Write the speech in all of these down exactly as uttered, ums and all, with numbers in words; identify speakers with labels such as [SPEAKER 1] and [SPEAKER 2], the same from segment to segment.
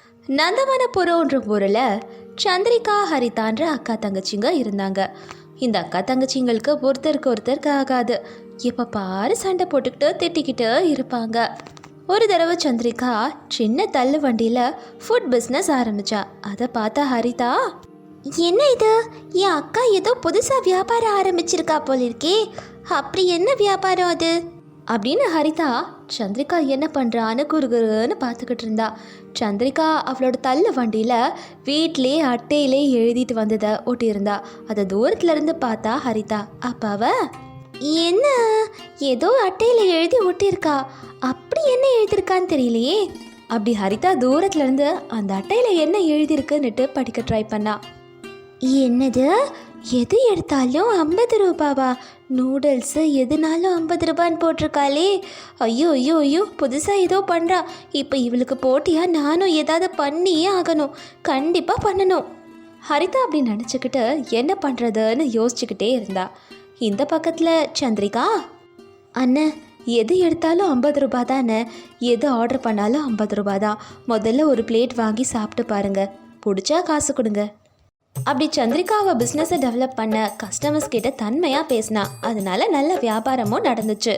[SPEAKER 1] நந்தவனபுரம்ன்ற ஊரில் சந்திரிகா ஹரிதான்ற அக்கா தங்கச்சிங்க இருந்தாங்க. இந்த அக்கா தங்கச்சிங்களுக்கு ஒருத்தருக்கு ஒருத்தருக்கு ஆகாது. எப்போ பாரு சண்டை போட்டுக்கிட்டு திட்டிக்கிட்டு இருப்பாங்க. ஒரு தடவை சந்திரிகா சின்ன தள்ளு வண்டியில் ஃபுட் பிஸ்னஸ் ஆரம்பித்தா. அதை பார்த்தா ஹரிதா, என்ன இது, என் அக்கா ஏதோ புதுசாக வியாபாரம் ஆரம்பிச்சிருக்கா போல இருக்கே, அப்படி என்ன வியாபாரம் அது அப்படின்னு ஹரிதா சந்திரிகா என்ன பண்ணுறான்னு குறுகுறுன்னு பார்த்துக்கிட்டு இருந்தா. சந்திரிகா அவளோட தள்ளு வண்டியில் வீட்டிலே அட்டையிலே எழுதிட்டு வந்ததை ஒட்டியிருந்தா. அதை தூரத்துலேருந்து பார்த்தா ஹரிதா. அப்பாவ என்ன ஏதோ அட்டையில் எழுதி ஒட்டியிருக்கா, அப்படி என்ன எழுதியிருக்கான்னு தெரியலையே. அப்படி ஹரிதா தூரத்துலேருந்து அந்த அட்டையில் என்ன எழுதியிருக்குன்னுட்டு படிக்க ட்ரை பண்ணா. என்னது, எது எடுத்தாலும் ஐம்பது ரூபாவா? நூடுல்ஸு எதுனாலும் ஐம்பது ரூபான்னு போட்டிருக்காளே. ஐயோ ஐயோ ஐயோ, புதுசாக ஏதோ பண்ணுறா. இப்போ இவளுக்கு போட்டியாக நானும் ஏதாவது பண்ணியே ஆகணும், கண்டிப்பாக பண்ணணும். ஹரிதா அப்படி நினச்சிக்கிட்டு என்ன பண்ணுறதுன்னு யோசிச்சுக்கிட்டே இருந்தா. இந்த பக்கத்தில் சந்திரிகா, அண்ணன் எது எடுத்தாலும் ஐம்பது ரூபா தானே, எது ஆர்டர் பண்ணாலும் ஐம்பது ரூபா தான். முதல்ல ஒரு பிளேட் வாங்கி சாப்பிட்டு பாருங்க, பிடிச்சா காசு கொடுங்க. அப்படி சந்திரிகாவை பிஸ்னஸை டெவலப் பண்ண கஸ்டமர்ஸ் கிட்ட தன்மையாக பேசினா. அதனால நல்ல வியாபாரமும் நடந்துச்சு.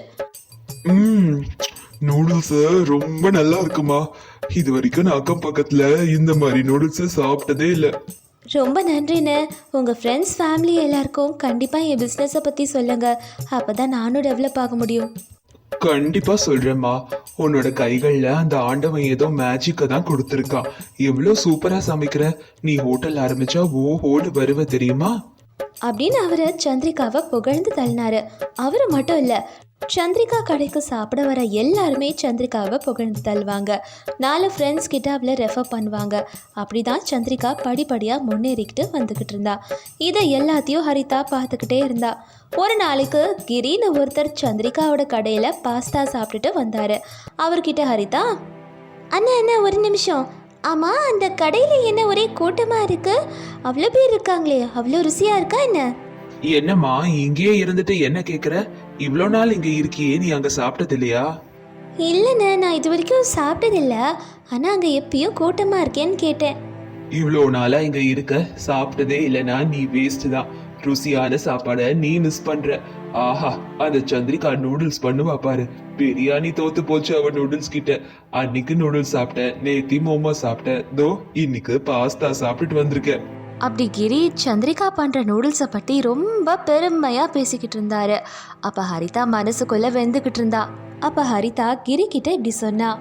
[SPEAKER 2] ம் நூடுல்ஸ் ரொம்ப நல்லா இருக்குமா. இது வரைக்கும் நான் அக்கம் பக்கத்துல இந்த மாதிரி நூடுல்ஸ் சாப்பிட்டதே இல்லை.
[SPEAKER 1] ரொம்ப நன்றிண்ணே. உங்கள் ஃப்ரெண்ட்ஸ் ஃபேமிலி எல்லாருக்கும் கண்டிப்பாக என் பிஸ்னஸை பற்றி சொல்லுங்கள், அப்போ தான் நானும் டெவலப் ஆக முடியும்.
[SPEAKER 2] கண்டிப்பா சொல்றேம்மா. உன்னோட கைகள்ல அந்த ஆண்டவன் ஏதோ மேஜிக்க தான் கொடுத்துருக்கான். எவ்வளவு சூப்பரா சமைக்கிற. நீ ஹோட்டல் ஆரம்பிச்சா ஓ ஹோடு வருவ தெரியுமா
[SPEAKER 1] அப்படின்னு அவரு சந்திரிகாவை புகழ்ந்து தள்ளினாரு. அவரு மட்டும் இல்லை, சந்திரிகா கடைக்கு சாப்பிட வர எல்லாருமே சந்திரிகாவை புகழ்ந்து தள்ளுவாங்க. நாலு ஃப்ரெண்ட்ஸ் கிட்ட அவளை ரெஃபர் பண்ணுவாங்க. அப்படி தான் சந்திரிகா படிப்படியாக முன்னேறிக்கிட்டு வந்துக்கிட்டு இருந்தா. இதை எல்லாத்தையும் ஹரிதா பார்த்துக்கிட்டே இருந்தா. ஒரு நாளைக்கு கிரின்னு ஒருத்தர் சந்திரிகாவோட கடையில் பாஸ்தா சாப்பிட்டுட்டு வந்தார். அவர்கிட்ட ஹரிதா, அண்ணா அண்ணா ஒரு நிமிஷம், ஆமாம் அந்த கடையில் என்ன ஒரே கூட்டமாக இருக்குது, அவ்வளோ பேர் இருக்காங்களே, அவ்வளோ ருசியாக இருக்கா என்ன?
[SPEAKER 2] என்னம்மா இங்கேயே இருந்துட்டு என்ன கேக்குற? இவ்வளோ நாள் இங்க இருக்கியே, நீ அங்க சாப்பிட்டது இல்லையா?
[SPEAKER 1] இல்லைண்ணே, நான் இது வரைக்கும் சாப்பிட்டதில்ல, ஆனால் அங்கே எப்பயும் கூட்டமாக இருக்கேன்னு கேட்டேன்.
[SPEAKER 2] இவ்வளோ நாளா இங்க இருக்க சாப்பிட்டதே இல்லைன்னா நீ வேஸ்ட் தான். ருசியான சாப்பாடை நீ மிஸ் பண்ற. ஆஹா, அந்த சந்திரிகா நூடுல்ஸ் பண்ணுவா பாரு. பிரியாணி தோத்து போச்சு அவ நூடுல்ஸ் கிட்ட. அன்னைக்கு நூடுல்ஸ் சாப்பிட்டேன், நேத்தி மோமோ சாப்பிட்டேன், தோ இன்னைக்கு பாஸ்தா சாப்பிட்டுட்டு வந்திருக்கேன்.
[SPEAKER 1] அப்படி கிரி சந்திரிகா பண்ணுற நூடுல்ஸை பற்றி ரொம்ப பெருமையாக பேசிக்கிட்டு இருந்தாரு. அப்போ ஹரிதா மனசுக்குள்ளே வெந்துக்கிட்டு இருந்தா. அப்போ ஹரிதா கிரி கிட்ட இப்படி சொன்னா,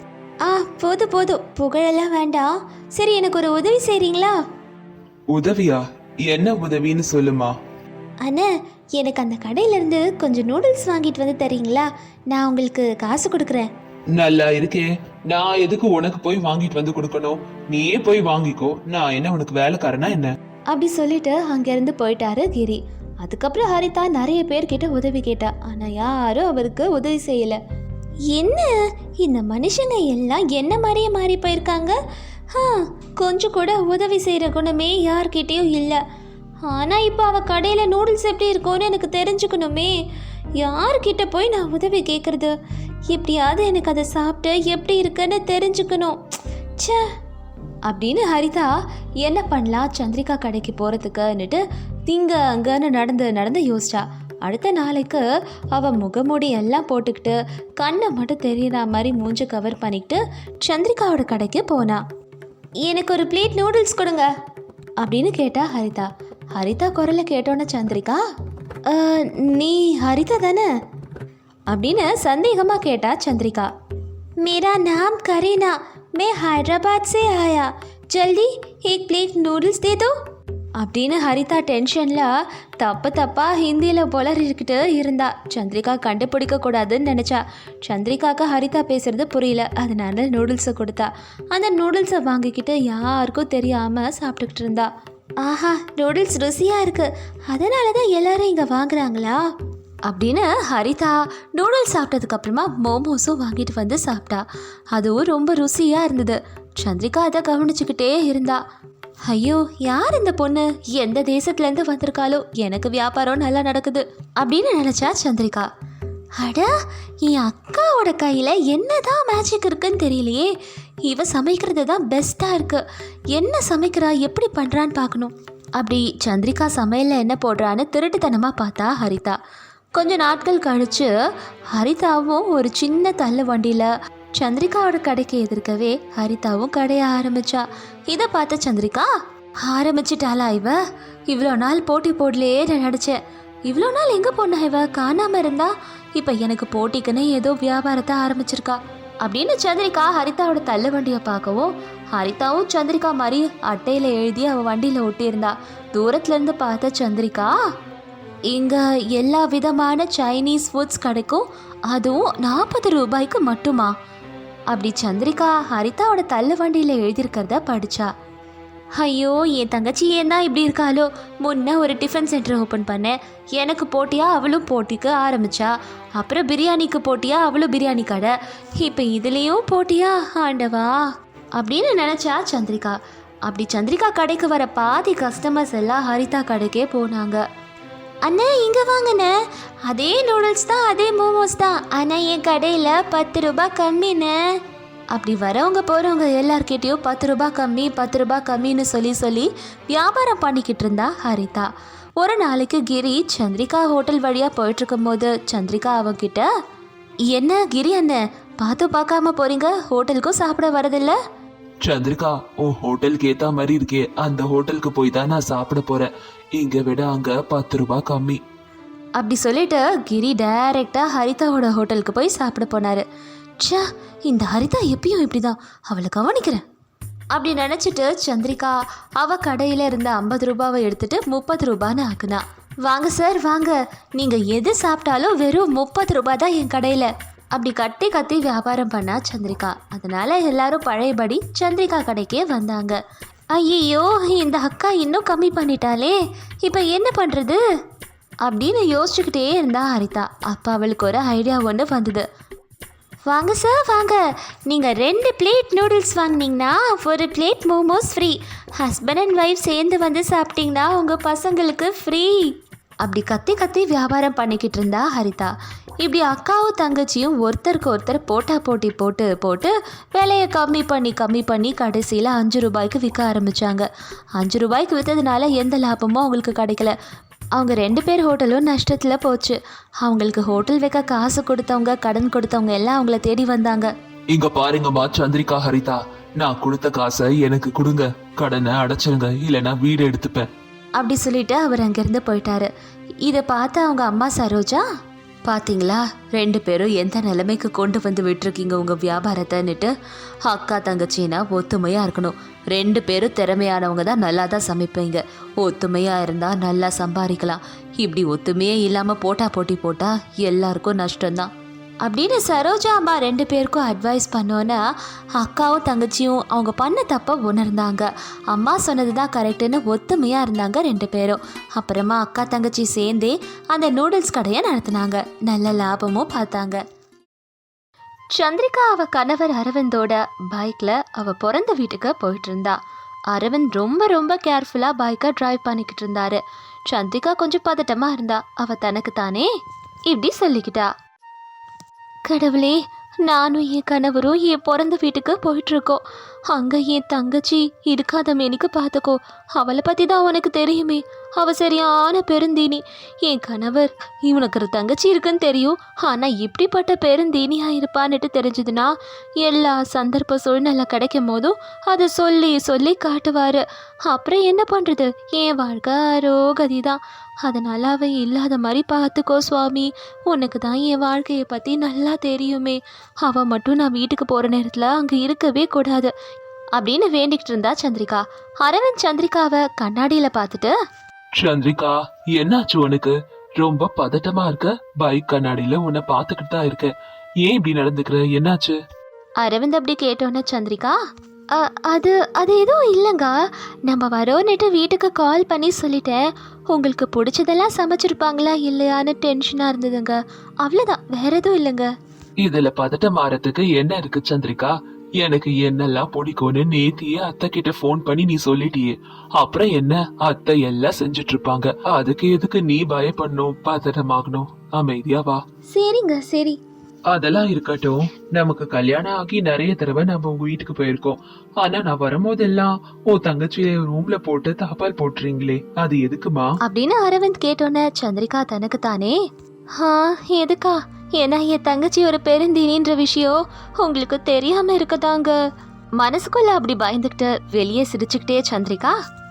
[SPEAKER 1] ஆ போதும் போதும், புகழெல்லாம் வேண்டாம், சரி எனக்கு ஒரு உதவி செய்கிறீங்களா?
[SPEAKER 2] உதவியா? என்ன உதவின்னு சொல்லுமா.
[SPEAKER 1] அண்ணா, எனக்கு அந்த கடையிலேருந்து கொஞ்சம் நூடுல்ஸ் வாங்கிட்டு வந்து தரீங்களா? நான் உங்களுக்கு காசு கொடுக்குறேன்.
[SPEAKER 2] நல்லா இருக்கே, நான் எதுக்கு உனக்கு போய் வாங்கிட்டு வந்து கொடுக்கணும்? நீயே போய் வாங்கிக்கோ, நான் என்ன உனக்கு வேலைக்காரனா என்ன?
[SPEAKER 1] அப்படி சொல்லிட்டு அங்கேருந்து போயிட்டாரு கிரி. அதுக்கப்புறம் ஹரிதா நிறைய பேர்கிட்ட உதவி கேட்டா, ஆனால் யாரும் அவருக்கு உதவி செய்யலை. என்ன இந்த மனுஷங்க எல்லாம் என்ன மாதிரியே மாறி போயிருக்காங்க. ஆ கொஞ்சம் கூட உதவி செய்கிற குணமே யார்கிட்டேயும் இல்லை. ஆனால் இப்போ அவள் கடையில் நூடுல்ஸ் எப்படி இருக்கும்னு எனக்கு தெரிஞ்சுக்கணுமே. யார்கிட்ட போய் நான் உதவி கேட்குறது? எப்படியாவது எனக்கு அதை சாப்பிட்டு எப்படி இருக்குன்னு தெரிஞ்சுக்கணும். ச்சே அப்படின்னு ஹரிதா என்ன பண்ணலாம் சந்திரிகா கடைக்கு போகிறதுக்குன்னுட்டு திங்க அங்கன்னு நடந்து நடந்து யோசிச்சா. அடுத்த நாளைக்கு அவள் முகமூடி எல்லாம் போட்டுக்கிட்டு கண்ணை மட்டும் தெரியற மாதிரி மூஞ்ச கவர் பண்ணிக்கிட்டு சந்திரிகாவோட கடைக்கு போனா. எனக்கு ஒரு பிளேட் நூடுல்ஸ் கொடுங்க அப்படின்னு கேட்டா ஹரிதா. ஹரிதா குரலை கேட்டோன்னே சந்திரிகா, நீ ஹரிதா தானே அப்படின்னு சந்தேகமாக கேட்டா சந்திரிகா. मेरा नाम करीना, मैं हैदराबाद से आया, जल्दी एक प्लेट नूडल्स दे दो அப்படின்னு ஹரிதா டென்ஷனில் தப்பு தப்பாக ஹிந்தியில் புலரிக்கிட்டு இருந்தா. சந்திரிகா கண்டுபிடிக்க கூடாதுன்னு நினச்சா. சந்திரிகாவுக்கு ஹரிதா பேசுகிறது புரியல, அதனால நூடுல்ஸை கொடுத்தா. அந்த நூடுல்ஸை வாங்கிக்கிட்டு யாருக்கும் தெரியாமல் சாப்பிட்டுக்கிட்டு இருந்தா. ஆஹா, நூடுல்ஸ் ருசியாக இருக்குது, அதனால தான் எல்லாரும் இங்கே வாங்குறாங்களா அப்படின்னு ஹரிதா நூடுல்ஸ் சாப்பிட்டதுக்கப்புறமா மோமோஸும் வாங்கிட்டு வந்து சாப்பிட்டா. அதுவும் ரொம்ப ருசியாக இருந்தது. சந்திரிகா அதை கவனிச்சுக்கிட்டே இருந்தா. ஐயோ, யார் இந்த பொண்ணு, எந்த தேசத்துலேருந்து வந்திருக்காளோ, எனக்கு வியாபாரம் நல்லா நடக்குது அப்படின்னு நினச்சா சந்திரிகா. அட, என் அக்காவோட கையில் என்னதான் மேஜிக் இருக்குன்னு தெரியலையே, இவ சமைக்கிறது தான் பெஸ்ட்டாக இருக்கு. என்ன சமைக்கிறா, எப்படி பண்ணுறான்னு பார்க்கணும். அப்படி சந்திரிகா சமையலில் என்ன போடுறான்னு திருட்டுத்தனமாக பார்த்தா ஹரிதா. கொஞ்ச நாட்கள் கழித்து ஹரிதாவும் ஒரு சின்ன தள்ளு வண்டியில் சந்திரிகாவோட கடைக்கு எதிர்க்கவே ஹரிதாவும் கடைய ஆரம்பிச்சா. இதை பார்த்த சந்திரிகா, ஆரம்பிச்சிட்டாளா இவ? இவ்வளோ நாள் போட்டி போடலையே நினச்சேன். இவ்வளோ நாள் எங்கே போனா இவ? காணாமல் இருந்தா. இப்போ எனக்கு போட்டிக்குன்னு ஏதோ வியாபாரத்தை ஆரம்பிச்சிருக்கா அப்படின்னு சந்திரிகா ஹரிதாவோட தள்ளு வண்டியை பார்க்கவும், ஹரிதாவும் சந்திரிகா மாதிரி அட்டையில் எழுதி அவள் வண்டியில் ஒட்டியிருந்தா. தூரத்துலேருந்து பார்த்த சந்திரிகா, இங்கே எல்லா விதமான சைனீஸ் ஃபுட்ஸ் கிடைக்கும், அதுவும் நாற்பது ரூபாய்க்கு மட்டுமா? அப்படி சந்திரிகா ஹரிதாவோட தள்ளு வண்டியில் எழுதியிருக்கிறத படித்தா. ஐயோ, என் தங்கச்சி ஏன் தான் இப்படி இருக்காளோ. முன்ன ஒரு டிஃபன் சென்டர் ஓப்பன் பண்ணேன், எனக்கு போட்டியா அவளும் போட்டிக்கு ஆரம்பிச்சா. அப்புறம் பிரியாணிக்கு போட்டியா அவளும் பிரியாணி கடை. இப்போ இதுலேயும் போட்டியா ஆண்டவா அப்படின்னு நினச்சா சந்திரிகா. அப்படி சந்திரிகா கடைக்கு வர பாதி கஸ்டமர்ஸ் எல்லாம் ஹரிதா கடைக்கே போனாங்க. அண்ணா இங்கே வாங்கண்ணே, அதே நூடுல்ஸ் தான், அதே மோமோஸ் தான், ஆனால் என் கடையில் பத்து ரூபாய் கம்மிண்ணே. அப்படி வரவங்க போகிறவங்க எல்லார்கிட்டையும் பத்து ரூபா கம்மி பத்து ரூபா கம்மின்னு சொல்லி சொல்லி வியாபாரம் பண்ணிக்கிட்டு இருந்தா ஹரிதா. ஒரு நாளைக்கு கிரி சந்திரிகா ஹோட்டல் வழியாக போயிட்டுருக்கும் போது சந்திரிகா அவகிட்ட, என்ன கிரி அண்ணன் பார்த்து பார்க்காம போறீங்க, ஹோட்டலுக்கும் சாப்பிட வரதில்ல?
[SPEAKER 2] சந்திரிகா, உன் ஹோட்டலுக்கு ஏத்த மாதிரி இருக்கே, அந்த ஹோட்டலுக்கு போய் தான் நான் சாப்பிட போறேன். இங்க விட அங்க பத்து ரூபாய் கம்மி.
[SPEAKER 1] அப்படி சொல்லிட்டு கிரி டைரெக்டாக ஹரிதாவோட ஹோட்டலுக்கு போய் சாப்பிட போனார். ச்சா, இந்த ஹரிதா எப்பயும் இப்படி தான், அவளை கவனிக்கிறேன் அப்படி நினச்சிட்டு சந்திரிகா அவள் கடையில் இருந்த ஐம்பது ரூபாவை எடுத்துட்டு முப்பது ரூபான்னு ஆக்குனா. வாங்க சார் வாங்க, நீங்கள் எது சாப்பிட்டாலும் வெறும் முப்பது ரூபா தான் என் கடையில் அப்படி கத்தி கத்தி வியாபாரம் பண்ணா சந்திரிகா. அதனால எல்லாரும் பழையபடி சந்திரிகா கடைக்கே வந்தாங்க. ஐயோ, இந்த அக்கா இன்னும் கம்மி பண்ணிட்டாலே, இப்போ என்ன பண்ணுறது அப்படின்னு யோசிச்சுக்கிட்டே இருந்தா ஹரிதா. அப்போ அவளுக்கு ஒரு ஐடியா ஒன்று வந்தது. வாங்க சார் வாங்க, நீங்கள் ரெண்டு பிளேட் நூடுல்ஸ் வாங்கினீங்கன்னா ஒரு plate momos free. Husband and wife சேர்ந்து வந்து சாப்பிட்டீங்கன்னா உங்கள் பசங்களுக்கு ஃப்ரீ அப்படி கத்தி கத்தி வியாபாரம் பண்ணிக்கிட்டு இருந்தா ஹரிதா. இப்படி அக்காவும் தங்கச்சியும் ஒருத்தருக்கு ஒருத்தர் போட்டா போட்டி போட்டு போட்டு விலையை கம்மி பண்ணி கம்மி பண்ணி கடைசியில் அஞ்சு ரூபாய்க்கு விற்க ஆரம்பித்தாங்க. அஞ்சு ரூபாய்க்கு விற்றதுனால எந்த லாபமும் அவங்களுக்கு கிடைக்கல. அவங்க ரெண்டு பேர் ஹோட்டலும் நஷ்டத்தில் போச்சு. அவங்களுக்கு ஹோட்டல் வைக்க காசு கொடுத்தவங்க, கடன் கொடுத்தவங்க எல்லாம் அவங்கள தேடி வந்தாங்க.
[SPEAKER 2] இங்க பாருங்கம்மா சந்திரிகா, ஹரிதா, நான் கொடுத்த காசை எனக்கு கொடுங்க, கடனை அடைச்சிருங்க, இல்லைன்னா வீடு எடுத்துப்பேன்
[SPEAKER 1] அப்படி சொல்லிட்டு அவர் அங்கேருந்து போயிட்டாரு. இதை பார்த்து அவங்க அம்மா சரோஜா, பார்த்தீங்களா ரெண்டு பேரும் எந்த நிலைமைக்கு கொண்டு வந்து விட்டுருக்கீங்க உங்கள் வியாபாரத்தைன்னுட்டு. அக்கா தங்கச்சின்னா ஒத்துமையாக இருக்கணும். ரெண்டு பேரும் திறமையானவங்க தான் நல்லா தான் சமைப்பீங்க. ஒத்துமையாக இருந்தால் நல்லா சம்பாதிக்கலாம். இப்படி ஒத்துமையே இல்லாமல் போட்டா போட்டி போட்டால் எல்லாருக்கும் நஷ்டம்தான் அப்படின்னு சரோஜா அம்மா ரெண்டு பேருக்கும் அட்வைஸ் பண்ணோன்னா அக்காவும் தங்கச்சியும் அவங்க பண்ண தப்பை உணர்ந்தாங்க. அம்மா சொன்னது தான் கரெக்டுன்னு ஒத்துமையாக இருந்தாங்க ரெண்டு பேரும். அப்புறமா அக்கா தங்கச்சி சேர்ந்தே அந்த நூடுல்ஸ் கடையை நடத்தினாங்க. நல்ல லாபமும் பார்த்தாங்க. சந்திரிகா அவ கணவர் அரவிந்தோட பைக்கில் அவள் பிறந்த வீட்டுக்கு போயிட்டு இருந்தா. அரவிந்த் ரொம்ப ரொம்ப கேர்ஃபுல்லாக பைக்கை ட்ரைவ் பண்ணிக்கிட்டு இருந்தாரு. சந்திரிகா கொஞ்சம் பதட்டமாக இருந்தா. அவள் தனக்கு தானே இப்படி சொல்லிக்கிட்டா, கடவுளே, நானும் என் கணவரும் என் பிறந்த வீட்டுக்கு போயிட்டுருக்கோம். அங்கே என் தங்கச்சி இருக்காத மேனிக்கு பார்த்துக்கோ. அவளை பற்றி தான் உனக்கு தெரியுமே, அவள் சரியான பெருந்தீனி. என் கணவர் இவனுக்கு ஒரு தங்கச்சி இருக்குன்னு தெரியும், ஆனால் இப்படிப்பட்ட பெருந்தீனியாக இருப்பான்னுட்டு தெரிஞ்சதுன்னா எல்லா சந்தர்ப்ப சூழ்நிலை கிடைக்கும் போதும் அதை சொல்லி சொல்லி காட்டுவார். அப்புறம் என்ன பண்ணுறது, என் வாழ்க்கை அரோகதி தான். அதனால் அவள் இல்லாத மாதிரி பார்த்துக்கோ சுவாமி. உனக்கு தான் என் வாழ்க்கையை பற்றி நல்லா தெரியுமே. அவள் மட்டும் நான் வீட்டுக்கு போகிற நேரத்தில் அங்கே இருக்கவே கூடாது அப்படின்னு வேண்டிக்கிட்டு இருந்தா சந்திரிகா. அரவிந்த் சந்திரிகாவை கண்ணாடியில் பார்த்துட்டு,
[SPEAKER 2] சந்திரிகா, என்னாச்சு உனக்கு? ரொம்ப பதட்டமா இருக்க. பைக் கண்ணாடியில உன்னை பார்த்துக்கிட்டு தான் இருக்க. ஏன் இப்படி நடந்துக்கிற? என்னாச்சு?
[SPEAKER 1] அரவிந்த் அப்படி கேட்டோன்னே சந்திரிகா, அது அது எதுவும் இல்லைங்க, நம்ம வரோன்னுட்டு வீட்டுக்கு கால் பண்ணி சொல்லிட்டேன். உங்களுக்கு பிடிச்சதெல்லாம் சமைச்சிருப்பாங்களா இல்லையான்னு டென்ஷனாக இருந்ததுங்க, அவ்வளோதான், வேற எதுவும் இல்லைங்க.
[SPEAKER 2] இதுல பதட்டம் மாறதுக்கு என்ன இருக்கு சந்திரிகா? எனக்கு என்னெல்லாம் பிடிக்கும்னு நேத்தியே அத்தை கிட்ட போன் பண்ணி நீ சொல்லிட்டியே. அப்புறம் என்ன, அத்தை எல்லாம் செஞ்சுட்டு இருப்பாங்க. அதுக்கு எதுக்கு நீ பயப்படணும், பதட்டமாகணும்? அமைதியா வா.
[SPEAKER 1] சரிங்க சரி.
[SPEAKER 2] அதெல்லாம் இருக்கட்டும். நமக்கு கல்யாணம் ஆகி நிறைய தடவை நம்ம உங்க வீட்டுக்கு போயிருக்கோம். ஆனா நான் வரும்போதெல்லாம் உன் தங்கச்சியை ரூம்ல போட்டு தாப்பால் போட்டுறீங்களே, அது எதுக்குமா?
[SPEAKER 1] அப்படின்னு அரவிந்த் கேட்டோன்னே சந்திரிகா தனக்கு தானே, ஆ எதுக்கா, ஏன்னா என் தங்கச்சி ஒரு பெருந்தீனின்ற விஷயம் உங்களுக்கு தெரியாம இருக்கதாங்க. மனசுக்குள்ள அப்படி பயந்துக்கிட்டு வெளியே சிரிச்சுக்கிட்டே சந்திரிகா,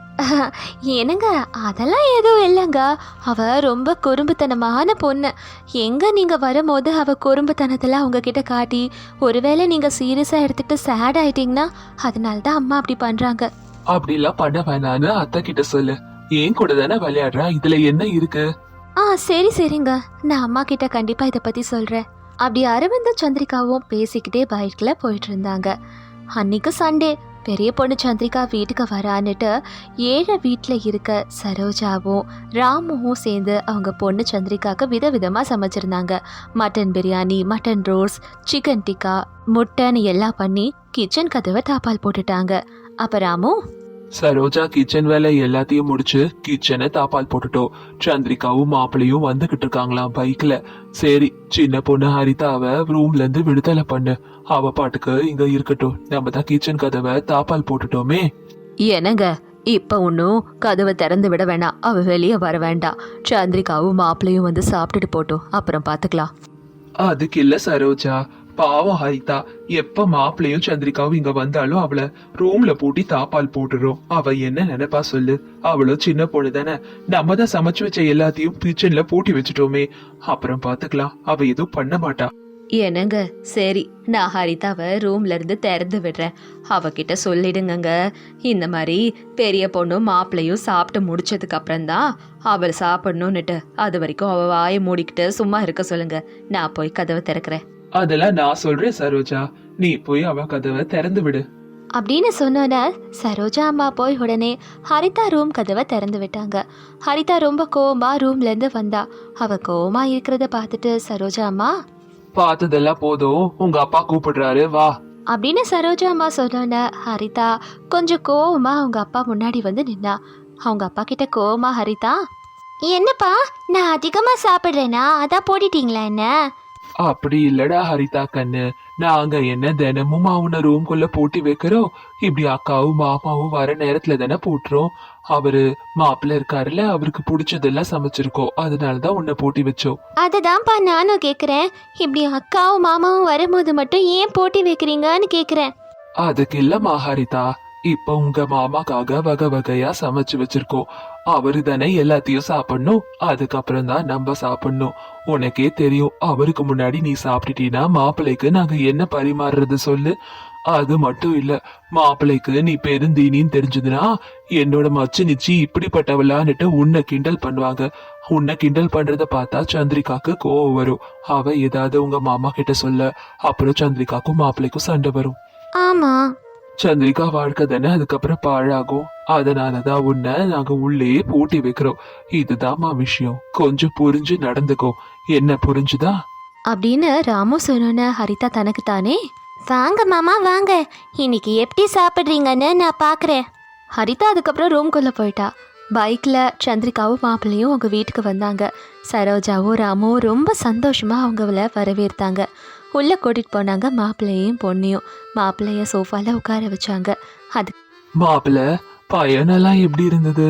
[SPEAKER 1] என்னங்க அதெல்லாம் எதுவும் இல்லைங்க, அவ ரொம்ப குறும்புத்தனமான பொண்ணு. எங்க நீங்க வரும்போது அவ குறும்புத்தனத்தெல்லாம் உங்ககிட்ட காட்டி ஒருவேளை நீங்க சீரியஸா எடுத்துக்கிட்டு சேட் ஆயிட்டீங்கன்னா அதனால தான் அம்மா அப்படி பண்றாங்க.
[SPEAKER 2] அப்படிலாம் பண்ண வேணான்னு அத்தை கிட்ட சொல்லு. ஏன் கூட தானே விளையாடுறா, இதுல என்ன இருக்கு?
[SPEAKER 1] ஆ சரி சரிங்க, நான் அம்மா கிட்ட கண்டிப்பா இதை பத்தி சொல்றேன். அப்படி அரவிந்தும் சந்திரிகாவும் பேசிக்கிட்டே பைக்ல போயிட்டு இருந்தாங்க. அன்னைக்கு சண்டே. பெரிய பொண்ணு சந்திரிகா வீட்டுக்கு வரான்னுட்டு ஏழை வீட்டில் இருக்க சரோஜாவும் ராமுவும் சேர்ந்து அவங்க பொண்ணு சந்திரிகாவுக்கு விதவிதமாக சமைச்சிருந்தாங்க. Mutton biryani, mutton roast, chicken tikka, முட்டைன்னு எல்லாம் பண்ணி கிச்சன் கதவை தாப்பால் போட்டுட்டாங்க. அப்போ ராமு,
[SPEAKER 2] சரோஜா கிச்சன் வேலை எல்லாத்தையும் முடிச்சு கிச்சனை தாப்பால் போட்டுட்டோம். சந்திரிகாவும் மாப்பிளையும் வந்துகிட்டு இருக்காங்களாம் பைக்ல. சரி, சின்ன பொண்ணு ஹரிதாவை ரூம்ல இருந்து விடுதலை பண்ணு. அவ பாட்டுக்கு இங்க இருக்கட்டும், நம்ம தான் கிச்சன் கதவை தாப்பால் போட்டுட்டோமே.
[SPEAKER 1] என்னங்க இப்ப ஒன்னும் கதவை திறந்து விட வேண்டாம், அவ வெளியே வர வேண்டாம். சந்திரிகாவும் மாப்பிளையும் வந்து சாப்பிட்டுட்டு போட்டோம், அப்புறம் பாத்துக்கலாம்.
[SPEAKER 2] அதுக்கு இல்ல சரோஜா, பாவம் ஹரிதா. எப்ப மாப்பிளையும் சந்திரிகாவும் இங்க வந்தாலும் அவளை ரூம்ல பூட்டி தாப்பால் போட்டுறோம். அவ என்ன நினைப்பா சொல்லு? அவளும் சின்ன பொண்ணு தானே. நம்ம தான் சமைச்சு வச்ச எல்லாத்தையும் கிச்சன்ல பூட்டி வச்சுட்டோமே, அப்புறம் பாத்துக்கலாம். அவ எதுவும் பண்ண மாட்டா.
[SPEAKER 1] என்னங்க சரி, நான் ஹரிதாவை ரூம்ல இருந்து திறந்து விடுறேன். அவகிட்ட சொல்லிடுங்க, இந்த மாதிரி பெரிய பொண்ணும் மாப்பிள்ளையும் சாப்பிட்டு முடிச்சதுக்கு அப்புறம் தான் அவள் சாப்பிடணும்னுட்டு. அது வரைக்கும் அவ வாயை மூடிக்கிட்டு சும்மா இருக்க சொல்லுங்க, நான் போய் கதவை திறக்கிறேன்.
[SPEAKER 2] அதெல்லாம் நான் சொல்றேன் சரோஜா, நீ போய் அவ கதவை திறந்து விடு
[SPEAKER 1] அப்படின்னு சொன்னோன்னே சரோஜா அம்மா போய் உடனே ஹரிதா ரூம் கதவை திறந்து விட்டாங்க. ஹரிதா ரொம்ப கோவமா ரூம்ல இருந்து வந்தா. அவ கோவமா இருக்கிறத பார்த்துட்டு சரோஜா அம்மா,
[SPEAKER 2] பார்த்ததெல்லாம் போதும், உங்க அப்பா கூப்பிடுறாரு வா
[SPEAKER 1] அப்படின்னு சரோஜா அம்மா சொன்னோன்னே ஹரிதா கொஞ்சம் கோவமா அவங்க அப்பா முன்னாடி வந்து நின்னா. அவங்க அப்பா கிட்ட கோவமா ஹரிதா, என்னப்பா நான் அதிகமா சாப்பிட்றேனா, அதான் போட்டிட்டீங்களா என்ன?
[SPEAKER 2] அப்படி இல்லடா ஹரிதா கண்ணு, நாங்க என்ன தினமும் அவனை ரூம்குள்ள பூட்டி வைக்கிறோம்? இப்படி அக்காவும் மாமாவும் வர நேரத்துல தானே பூட்டுறோம். அவரு மாப்பிள்ள இருக்காருல்ல, அவருக்கு பிடிச்சதெல்லாம் சமைச்சிருக்கோம், அதனாலதான் உன்னை பூட்டி வச்சோம்.
[SPEAKER 1] அதுதான்ப்பா நானும் கேக்குறேன், இப்படி அக்காவும் மாமாவும் வரும்போது மட்டும் ஏன் போட்டி வைக்கிறீங்கன்னு கேக்குறேன்.
[SPEAKER 2] அதுக்கு இல்லம்மா ஹரிதா, இப்ப உங்க மாமாக்காக வகை வகையா சமைச்சு வச்சிருக்கோம். அவரு தானே எல்லாத்தையும் சாப்பிடணும், அதுக்கப்புறம் தான் நம்ம சாப்பிடணும். உனக்கே தெரியும், அவருக்கு முன்னாடி நீ சாப்பிட்டுட்டீன்னா மாப்பிள்ளைக்கு நாங்க என்ன பரிமாறுறது சொல்லு? அது மட்டும் இல்ல, மாப்பிள்ளைக்கு நீ பெருந்தீனின்னு தெரிஞ்சதுன்னா என்னோட மச்சு நிச்சி இப்படிப்பட்டவளான்னுட்டு உன்னை கிண்டல் பண்ணுவாங்க. உன்னை கிண்டல் பண்றத பார்த்தா சந்திரிகாக்கு கோவம் வரும். அவ ஏதாவது உங்க மாமா கிட்ட சொல்ல, அப்புறம் சந்திரிகாக்கும் மாப்பிள்ளைக்கும் சண்டை வரும்.
[SPEAKER 1] ஆமா,
[SPEAKER 2] சந்திரிகா வாழ்க்கை தானே அதுக்கப்புறம் பாழாகும். அதனாலதான் உன்னை நாங்க உள்ளே பூட்டி வைக்கிறோம். இதுதான்மா விஷயம், கொஞ்சம் புரிஞ்சு நடந்துக்கோ. என்ன புரிஞ்சுதா?
[SPEAKER 1] அப்படின்னு ராமு சொன்ன ஹரிதா தனக்கு தானே, வாங்க மாமா வாங்க, இன்னைக்கு எப்படி சாப்பிட்றீங்கன்னு நான் பார்க்குறேன். ஹரிதா அதுக்கப்புறம் ரூம்குள்ளே போயிட்டா. பைக்கில் சந்திரிகாவும் மாப்பிள்ளையும் அவங்க வீட்டுக்கு வந்தாங்க. சரோஜாவும் ராமும் ரொம்ப சந்தோஷமாக அவங்கள வரவேற்றாங்க. உள்ளே கூட்டிகிட்டு போனாங்க மாப்பிள்ளையும் பொண்ணையும். மாப்பிள்ளைய சோஃபாவில் உட்கார வச்சாங்க. அது
[SPEAKER 2] மாப்பிள்ள பயனெல்லாம் எப்படி இருந்தது?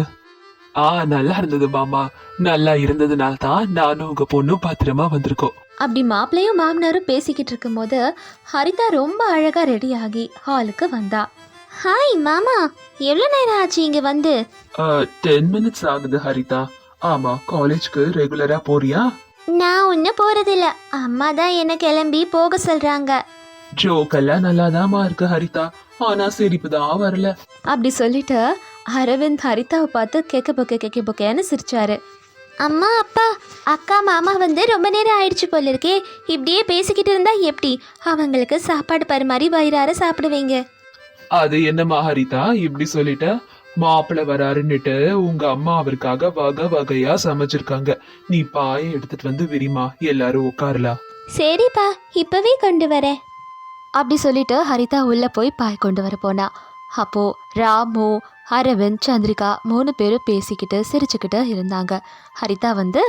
[SPEAKER 2] ஆ நல்லா இருந்தது மாமா. நல்லா இருந்ததுனால தான் நானும் உங்க பொண்ணும் பத்திரமா வந்திருக்கோம்.
[SPEAKER 1] அப்படி மாப்பிள்ளையும் மாமனாரும் பேசிக்கிட்டு இருக்கும் போது ஹரிதா ரொம்ப அழகா ரெடி ஆகி ஹாலுக்கு வந்தா. ஹாய் மாமா, எவ்வளோ நேரம் ஆச்சு இங்க வந்து?
[SPEAKER 2] டென் மினிட்ஸ் ஆகுது ஹரிதா. ஆமா, காலேஜ்க்கு ரெகுலரா போறியா?
[SPEAKER 1] நான் ஒன்னும் போறதில்ல, அம்மா தான் என்ன கிளம்பி போக சொல்றாங்க.
[SPEAKER 2] ஜோக்கெல்லாம் நல்லாதாமா இருக்கு ஹரிதா, ஆனா சிரிப்பு தான் வரல.
[SPEAKER 1] அப்படி சொல்லிட்டு அரவிந்த் ஹரிதாவை பார்த்து கேக்க பொக்க கேக்க பொக்கேன்னு சிரிச்சாரு. அம்மா அப்பா, அக்கா மாமா வந்து ரொம்ப நேரம் ஆயிடுச்சு போல இருக்கே, இப்படியே பேசிக்கிட்டு இருந்தா எப்படி? அவங்களுக்கு சாப்பாடு பரிமாறி வயிறார சாப்பிடுவீங்க.
[SPEAKER 2] அது என்னம்மா ஹரிதா இப்படி சொல்லிட்ட? மாப்பிள்ள வராருன்னுட்டு உங்க அம்மா அவருக்காக வகை வகையா சமைச்சிருக்காங்க. நீ பாயை எடுத்துட்டு வந்து விரிமா, எல்லாரும் உட்காரலாம்.
[SPEAKER 1] சரிப்பா, இப்பவே கொண்டு வரேன். அப்படி சொல்லிட்டு ஹரிதா உள்ள போய் பாய் கொண்டு வர போனா. அப்போ ராமு, அரவிந்த், சந்திரிகா மூணு பேரும் பேசிக்கிட்டு சிரிச்சுக்கிட்டு இருந்தாங்க. ஹரிதா வந்து,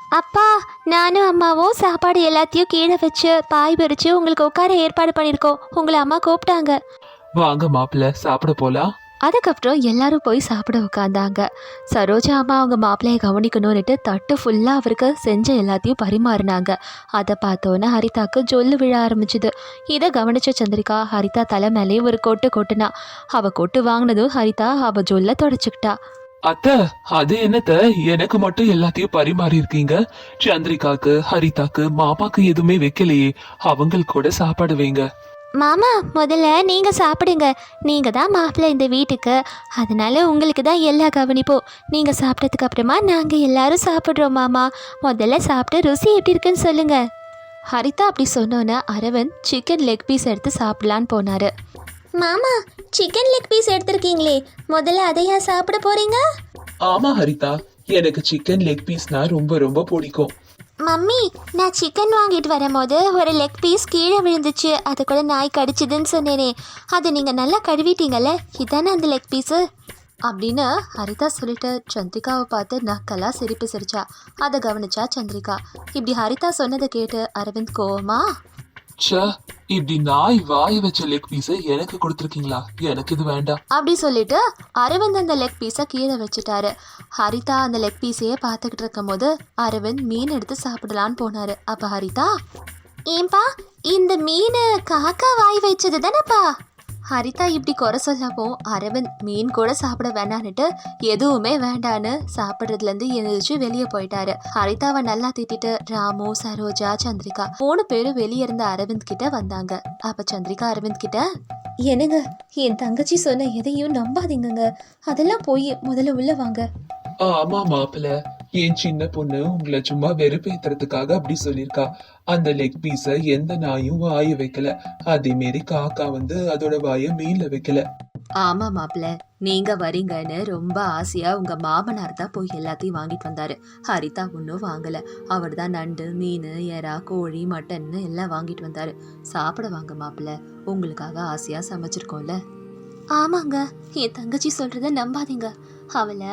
[SPEAKER 1] அப்பா, நானும் அம்மாவும் சாப்பாடு எல்லாத்தையும் கீழே வச்சு பாய் விரிச்சு உங்களுக்கு உட்கார ஏற்பாடு பண்ணியிருக்கோம். உங்களை அம்மா கூப்பிட்டாங்க.
[SPEAKER 2] வாங்க மாப்பிள்ள, சாப்பிட போலாம்.
[SPEAKER 1] அதுக்கப்புறம் எல்லாரும் போய் சாப்பிட உட்காந்தாங்க. சரோஜா அம்மா அவங்க மாப்பிள்ளையை கவனிக்கணும்னுட்டு தட்டு ஃபுல்லாக அவருக்கு செஞ்ச எல்லாத்தையும் பரிமாறினாங்க. அதை பார்த்தோன்னே ஹரிதாக்கு ஜொல்லு விழ ஆரம்பிச்சுது. இதை கவனிச்ச சந்திரிகா ஹரிதா தலை மேலேயே ஒரு கொட்டு கொட்டுனா. அவள் கொட்டு வாங்கினதும் ஹரிதா அவள் ஜொல்ல தொடச்சிக்கிட்டா.
[SPEAKER 2] அத்தை, அது என்னத்த எனக்கு மட்டும் எல்லாத்தையும் பரிமாறி இருக்கீங்க? சந்திரிகாக்கு, ஹரிதாக்கு, மாமாக்கு எதுவுமே வைக்கலையே. அவங்களுக்கு கூட சாப்பாடு வைங்க.
[SPEAKER 1] மாமா, முதல்ல நீங்கள் சாப்பிடுங்க. நீங்கள் தான் மாப்பிள்ளை இந்த வீட்டுக்கு, அதனால உங்களுக்கு தான் எல்லா கவனிப்போம். நீங்கள் சாப்பிட்டதுக்கு அப்புறமா நாங்கள் எல்லாரும் சாப்பிட்றோம் மாமா. முதல்ல சாப்பிட்டு ருசி எப்படி இருக்குன்னு சொல்லுங்க. ஹரிதா அப்படி சொன்னோன்னே அரவிந்த் சிக்கன் லெக் பீஸ் எடுத்து சாப்பிடலான்னு போனார். மாமா, சிக்கன் லெக் பீஸ் எடுத்திருக்கீங்களே, முதல்ல அதையா சாப்பிட போறீங்க?
[SPEAKER 2] ஆமா ஹரிதா, எனக்கு சிக்கன் லெக் பீஸ்னா ரொம்ப ரொம்ப பிடிக்கும்.
[SPEAKER 1] மம்மி, நான் சிக்கன் வாங்கிட்டு வரும்போது ஒரு லெக் பீஸ் கீழே விழுந்துச்சு, அது கூட நாய் கடிச்சிதுன்னு சொன்னேனே, அதை நீங்கள் நல்லா கழுவிட்டீங்கல்ல, இதானே அந்த லெக் பீஸு அப்படின்னு ஹரிதா சொல்லிட்டு சந்திரிகாவை பார்த்து நக்கலாக சிரிப்பு சிரிச்சா. அதை கவனிச்சா சந்திரிகா. இப்படி ஹரிதா சொன்னதை கேட்டு அரவிந்த் கோவமா,
[SPEAKER 2] ச்சே, இப்படி நாய் வாய வச்ச லெக் பீஸை எனக்கு கொடுத்துருக்கீங்களா? எனக்கு இது வேண்டாம்
[SPEAKER 1] அப்படி சொல்லிட்டு அரவிந்த் அந்த லெக் பீஸை கீழே வச்சுட்டாரு. ஹரிதா அந்த லெக் பீஸையே பார்த்துக்கிட்டு இருக்கும் போது அரவிந்த் மீன் எடுத்து சாப்பிடலான்னு போனாரு. அப்போ ஹரிதா, ஏன்பா இந்த மீன் காக்கா வாய் வச்சது தானேப்பா? ஹரிதா இப்படி குறை சொல்லவும் அரவிந்த் மீன் கூட சாப்பிட வேண்டான்னுட்டு எதுவுமே வேண்டான்னு சாப்பிட்றதுலேருந்து எழுந்திரிச்சு வெளியே போயிட்டாரு. ஹரிதாவை நல்லா திட்டிட்டு ராமு, சரோஜா, சந்திரிகா மூணு பேரும் வெளியே இருந்த அரவிந்த் கிட்ட வந்தாங்க. அப்ப சந்திரிகா அரவிந்த் கிட்ட, என்னங்க, என் தங்கச்சி சொன்ன எதையும் நம்பாதீங்கங்க, அதெல்லாம் போய் முதல்ல உள்ள வாங்க.
[SPEAKER 2] ஆமா மாப்பிள்ள, என் சின்ன பொண்ணு உங்களை சும்மா வெறுப்பேத்துறதுக்காக அப்படி சொல்லிருக்கா. அந்த லெக் பீஸ எந்த நாயும் வாய வைக்கல, அதே மாரி காக்கா வந்து அதோட வாய மீன்ல வைக்கல.
[SPEAKER 1] ஆமா மாப்பிள்ள, நீங்க வரீங்கன்னு ரொம்ப ஆசையா உங்க மாமனார் தான் போய் எல்லாத்தையும் வாங்கிட்டு வந்தாரு. ஹரிதா ஒன்றும் வாங்கல. அவர் தான் நண்டு, மீன், எறா, கோழி, மட்டன்னு எல்லாம் வாங்கிட்டு வந்தாரு. சாப்பிட வாங்க மாப்பிள்ள, உங்களுக்காக ஆசையா சமைச்சிருக்கோம்ல. ஆமாங்க, என் தங்கச்சி சொல்றத நம்பாதீங்க, அவளை.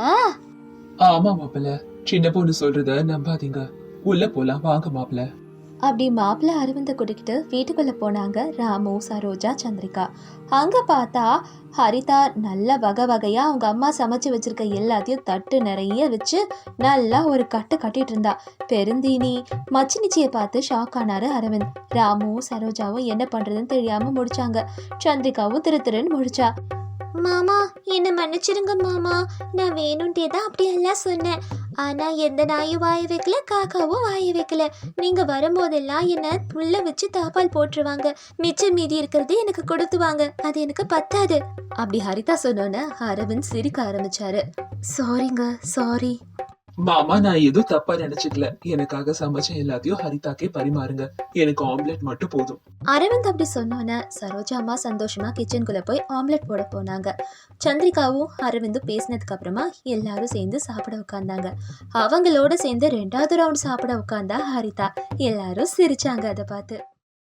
[SPEAKER 2] ஆமா மாப்பிள்ள, சின்ன பொண்ணு சொல்றத நம்பாதீங்க. உள்ள போலாம் வாங்க மாப்பிள்ள.
[SPEAKER 1] அப்படி மாப்பிள்ளை அரவிந்தை கூட்டிக்கிட்டு வீட்டுக்குள்ளே போனாங்க ராமு, சரோஜா, சந்திரிகா. அங்கே பார்த்தா ஹரிதா நல்ல வகை வகையாக அவங்க அம்மா சமைச்சு வச்சுருக்க எல்லாத்தையும் தட்டு நிறைய வச்சு நல்லா ஒரு கட்டு கட்டிகிட்டு இருந்தா. பெருந்தீனி மச்சினிச்சியை பார்த்து ஷாக் ஆனார் அரவிந்த். ராமு, சரோஜாவும் என்ன பண்ணுறதுன்னு தெரியாமல் முடிச்சாங்க. சந்திரிகாவும் திரு திருன்னு முடிச்சா. மாமா, என்னை மன்னிச்சிருங்க மாமா, நான் வேணும்ட்டே தான் அப்படியெல்லாம் சொன்னேன். ஆனால் எந்த நாயும் வாய வைக்கல, காக்காவும் வாய வைக்கல. நீங்கள் வரும்போதெல்லாம் என்னை உள்ள வச்சு தாப்பால் போட்டுருவாங்க, மிச்சம் மீதி இருக்கிறது எனக்கு கொடுத்துவாங்க, அது எனக்கு பத்தாது. அப்படி ஹரிதா சொன்னோன்னு அரவிந்த் சிரிக்க ஆரம்பிச்சாரு. சாரிங்க, சாரி
[SPEAKER 2] மாமா, நான் எதுவும் தப்பா நினைச்சுக்கல. எனக்காக சமைச்ச எல்லாத்தையும் ஹரிதாக்கே பரிமாறுங்க. எனக்கு ஆம்லெட் மட்டும் போதும்.
[SPEAKER 1] அரவிந்த் அப்படி சொன்னோன்னே சரோஜா அம்மா சந்தோஷமா கிச்சனுக்குள்ள போய் ஆம்லெட் போட போனாங்க. சந்திரிகாவும் அரவிந்தும் பேசினதுக்கு அப்புறமா எல்லாரும் சேர்ந்து சாப்பிட உட்காந்தாங்க. அவங்களோட சேர்ந்து ரெண்டாவது ரவுண்ட் சாப்பிட உட்காந்தா ஹரிதா. எல்லாரும் சிரிச்சாங்க அதை பார்த்து.